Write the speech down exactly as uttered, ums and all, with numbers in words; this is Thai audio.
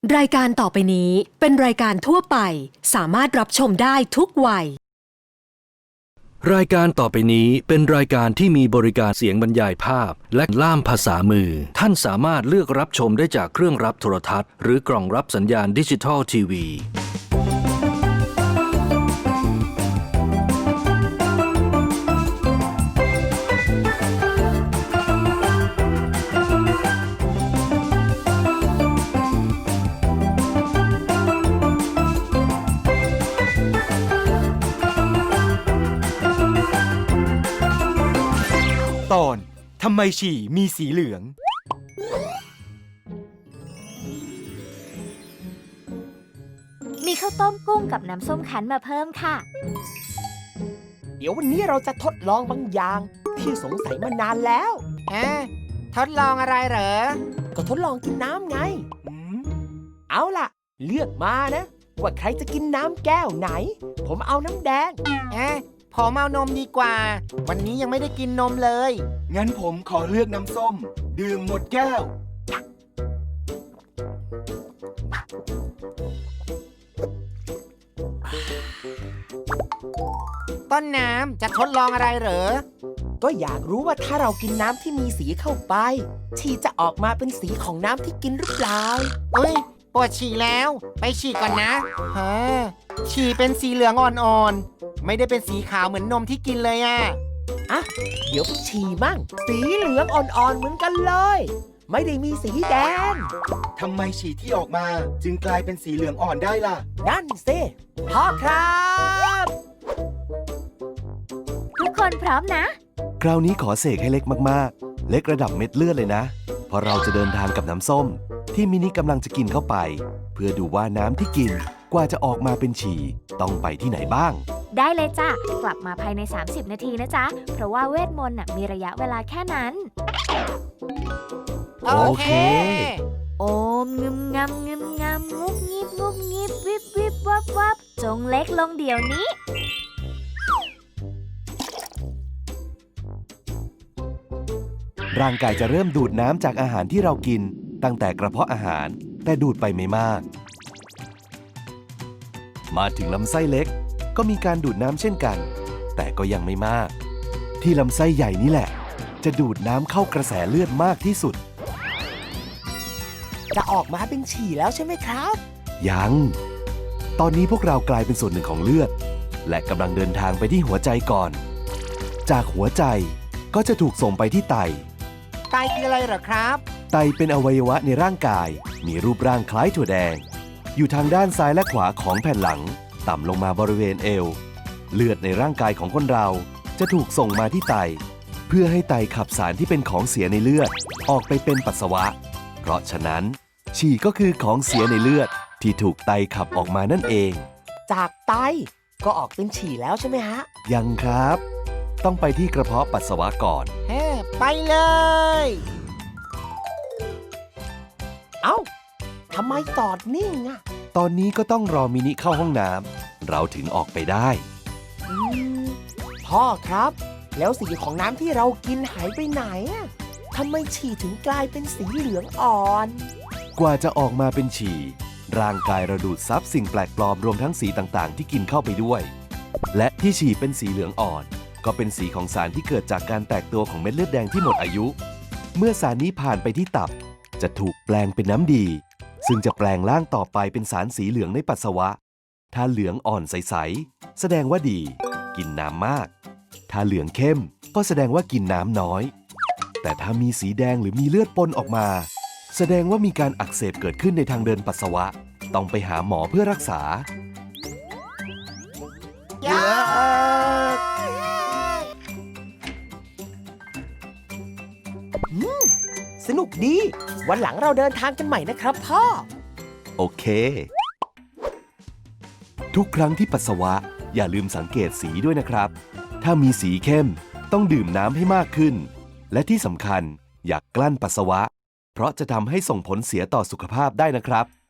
รายการต่อไปนี้เป็นรายการทั่วไปสามารถรับชมได้ทุกวัยรายการต่อไปนี้เป็นรายการที่มีบริการเสียงบรรยายภาพและล่ามภาษามือท่านสามารถเลือกรับชมได้จากเครื่องรับโทรทัศน์หรือกล่องรับสัญญาณดิจิทัลทีวีตอนทำไมฉี่มีสีเหลืองมีข้าวต้มกุ้งกับน้ำส้มคั้นมาเพิ่มค่ะเดี๋ยววันนี้เราจะทดลองบางอย่างที่สงสัยมานานแล้วเอ๊ะทดลองอะไรเหรอก็ทดลองกินน้ำไงอืมเอาล่ะ เลือกมานะ ว่าใครจะกินน้ำแก้วไหน ผมเอาน้ำแดงเอ๊ะผมเอานมดีกว่า วันนี้ยังไม่ได้กินนมเลยงั้นผมขอเลือกน้ำส้ม ดื่มหมดแก้วต้นน้ำจะทดลองอะไรเหรอก็อยากรู้ว่าถ้าเรากินน้ำที่มีสีเข้าไปฉี่จะออกมาเป็นสีของน้ำที่กินหรือเปล่าเอ้ยปวดฉี่แล้ว ไปฉี่ก่อนนะฮะฉี่เป็นสีเหลืองอ่อนๆ ไม่ได้เป็นสีขาวเหมือนนมที่กินเลยอ่ะอ่ะ เดี๋ยวก็ฉี่มั่งสีเหลืองอ่อนๆเหมือนกันเลย ไม่ได้มีสีแดงทำไมฉี่ที่ออกมาจึงกลายเป็นสีเหลืองอ่อนได้ล่ะนั่นสิพ่อครับทุกคนพร้อมนะคราวนี้ขอเสกให้เล็กมากๆ เล็กระดับเม็ดเลือดเลยนะ เพราะเราจะเดินทางกับน้ำส้ม ที่มินิกำลังจะกินเข้าไป เพื่อดูว่าน้ำที่กินกว่าจะออกมาเป็นฉี่ต้องไปที่ไหนบ้างได้เลยจ้ะ กลับมาภายใน สามสิบ นาทีนะจ๊ะ เพราะว่าเวทมนต์น่ะมีระยะเวลาแค่นั้นโอเคโอมงึมงำงึมงำงุบงิบงุบงิบวิบวิบวับวับจงเล็กลงเดี๋ยวนี้ร่างกายจะเริ่มดูดน้ำจากอาหารที่เรากินตั้งแต่กระเพาะอาหาร แต่ดูดไปไม่มาก มาถึงลำไส้เล็กก็มีการดูดน้ำเช่นกัน แต่ก็ยังไม่มาก ที่ลำไส้ใหญ่นี่แหละ จะดูดน้ำเข้ากระแสเลือดมากที่สุดจะออกมาเป็นฉี่แล้วใช่ไหมครับยัง ตอนนี้พวกเรากลายเป็นส่วนหนึ่งของเลือด และกำลังเดินทางไปที่หัวใจก่อน จากหัวใจก็จะถูกส่งไปที่ไตไตคืออะไรเหรอครับไตเป็นอวัยวะในร่างกาย มีรูปร่างคล้ายถั่วแดง อยู่ทางด้านซ้ายและขวาของแผ่นหลัง ต่ำลงมาบริเวณเอว เลือดในร่างกายของคนเราจะถูกส่งมาที่ไต เพื่อให้ไตขับสารที่เป็นของเสียในเลือด ออกไปเป็นปัสสาวะ เพราะฉะนั้น ฉี่ก็คือของเสียในเลือดที่ถูกไตขับออกมานั่นเองจากไตก็ออกเป็นฉี่แล้วใช่ไหมฮะยังครับ ต้องไปที่กระเพาะปัสสาวะก่อนเฮ้ไปเลยเอ้าทำไมจอดนิ่งอะตอนนี้ก็ต้องรอมินิเข้าห้องน้ำเราถึงออกไปได้อืมพ่อครับ แล้วสีของน้ำที่เรากินหายไปไหนอะทำไมฉี่ถึงกลายเป็นสีเหลืองอ่อนกว่าจะออกมาเป็นฉี่ ร่างกายเราดูดซับสิ่งแปลกปลอมรวมทั้งสีต่างๆ ที่กินเข้าไปด้วย และที่ฉี่เป็นสีเหลืองอ่อน ก็เป็นสีของสารที่เกิดจากการแตกตัวของเม็ดเลือดแดงที่หมดอายุ เมื่อสารนี้ผ่านไปที่ตับ จะถูกแปลงเป็นน้ำดี ซึ่งจะแปลงร่างต่อไปเป็นสารสีเหลืองในปัสสาวะ ถ้าเหลืองอ่อนใสๆแสดงว่าดี กินน้ำมาก ถ้าเหลืองเข้มก็แสดงว่ากินน้ำน้อย แต่ถ้ามีสีแดงหรือมีเลือดปนออกมา แสดงว่ามีการอักเสบเกิดขึ้นในทางเดินปัสสาวะ ต้องไปหาหมอเพื่อรักษายากสนุกดี วันหลังเราเดินทางกันใหม่นะครับพ่อโอเค ทุกครั้งที่ปัสสาวะอย่าลืมสังเกตสีด้วยนะครับ ถ้ามีสีเข้มต้องดื่มน้ำให้มากขึ้น และที่สำคัญอย่ากกลั้นปัสสาวะ เพราะจะทำให้ส่งผลเสียต่อสุขภาพได้นะครับ